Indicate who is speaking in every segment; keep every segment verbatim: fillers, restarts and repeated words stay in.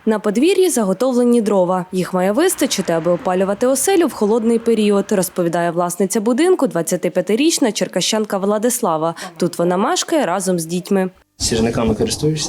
Speaker 1: На подвір'ї заготовлені дрова. Їх має вистачити, аби опалювати оселю в холодний період, розповідає власниця будинку, двадцятип'ятирічна черкащанка Владислава. Тут вона мешкає разом з дітьми.
Speaker 2: Сірниками користуєшся?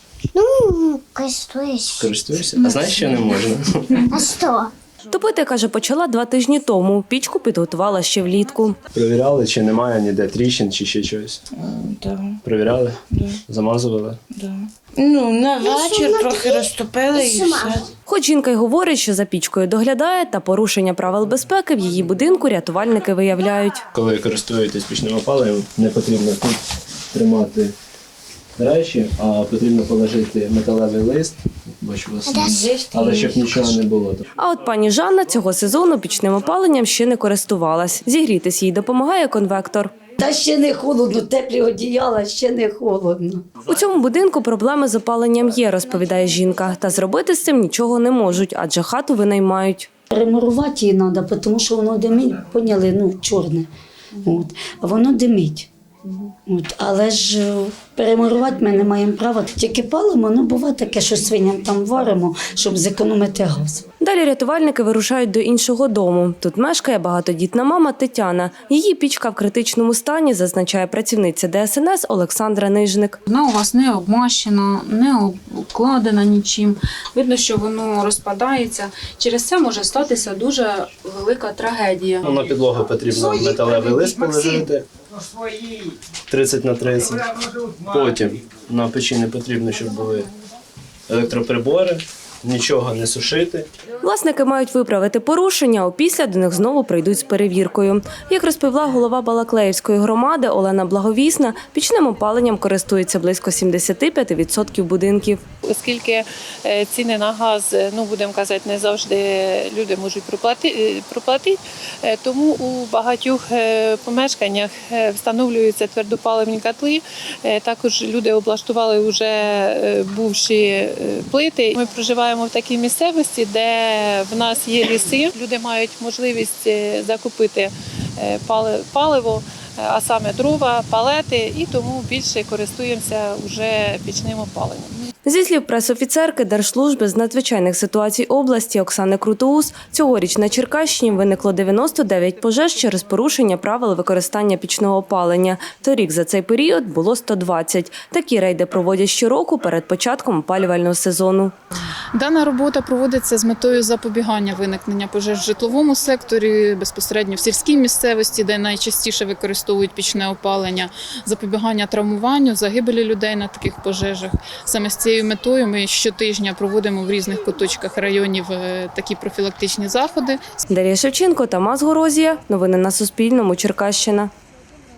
Speaker 3: Ну, користуюсь.
Speaker 2: Користуєшся? А знаєш, що не можна?
Speaker 3: А що?
Speaker 1: Топити, каже, почала два тижні тому. Пічку підготувала ще влітку.
Speaker 2: Провіряли, чи немає ніде тріщин, чи ще щось?
Speaker 4: Так,
Speaker 2: Провіряли?
Speaker 4: да,
Speaker 2: Замазували?
Speaker 4: да. Ну, на вечір трохи розтопили і все.
Speaker 1: Хоч жінка й говорить, що за пічкою доглядає, та порушення правил безпеки в її будинку рятувальники виявляють.
Speaker 2: Коли користуєтесь пічним опаленням, не потрібно тут тримати речі, а потрібно положити металевий лист, бачу у вас, але щоб нічого не було.
Speaker 1: А от пані Жанна цього сезону пічним опаленням ще не користувалась. Зігрітись їй допомагає конвектор.
Speaker 5: Та ще не холодно, теплі одіяла, ще не холодно.
Speaker 1: У цьому будинку проблеми з опаленням є, розповідає жінка. Та зробити з цим нічого не можуть, адже хату винаймають.
Speaker 5: Ремурувати її треба, тому що воно димить, поняли, ну, чорне. От. А воно димить. От. Але ж е, перемурувати ми не маємо права. Тільки палимо, ну буває таке, що свиням там варимо, щоб зекономити газ.
Speaker 1: Далі рятувальники вирушають до іншого дому. Тут мешкає багатодітна мама Тетяна. Її пічка в критичному стані, зазначає працівниця Де Ес Ен Ес Олександра Нижник.
Speaker 6: Вона у вас не обмащена, не обкладена нічим. Видно, що воно розпадається. Через це може статися дуже велика трагедія.
Speaker 2: На підлогу потрібно металевий лист положити тридцять на тридцять. Потім на печі не потрібно, щоб були електроприбори, нічого не сушити.
Speaker 1: Власники мають виправити порушення, а опісля до них знову прийдуть з перевіркою. Як розповіла голова Балаклеївської громади Олена Благовісна, пічним опаленням користується близько сімдесят п'ять відсотків будинків.
Speaker 7: Оскільки ціни на газ, ну будемо казати, не завжди люди можуть проплатити, проплатити, тому у багатьох помешканнях встановлюються твердопаливні котли. Також люди облаштували вже бувші плити. Ми проживаємо в такій місцевості, де в нас є ліси. Люди мають можливість закупити паливо, а саме дрова, палети, і тому більше користуємося вже пічним опаленням.
Speaker 1: Зі слів пресофіцерки Держслужби з надзвичайних ситуацій області Оксани Крутоус, цьогоріч на Черкащині виникло дев'яносто дев'ять пожеж через порушення правил використання пічного опалення. Торік за цей період було сто двадцять. Такі рейди проводять щороку перед початком опалювального сезону.
Speaker 6: Дана робота проводиться з метою запобігання виникнення пожеж в житловому секторі, безпосередньо в сільській місцевості, де найчастіше використовують пічне опалення, запобігання травмуванню, загибелі людей на таких пожежах. Саме з цією метою ми щотижня проводимо в різних куточках районів такі профілактичні заходи.
Speaker 1: Дар'я Шевченко, Тамас Горозія. Новини на Суспільному. Черкащина.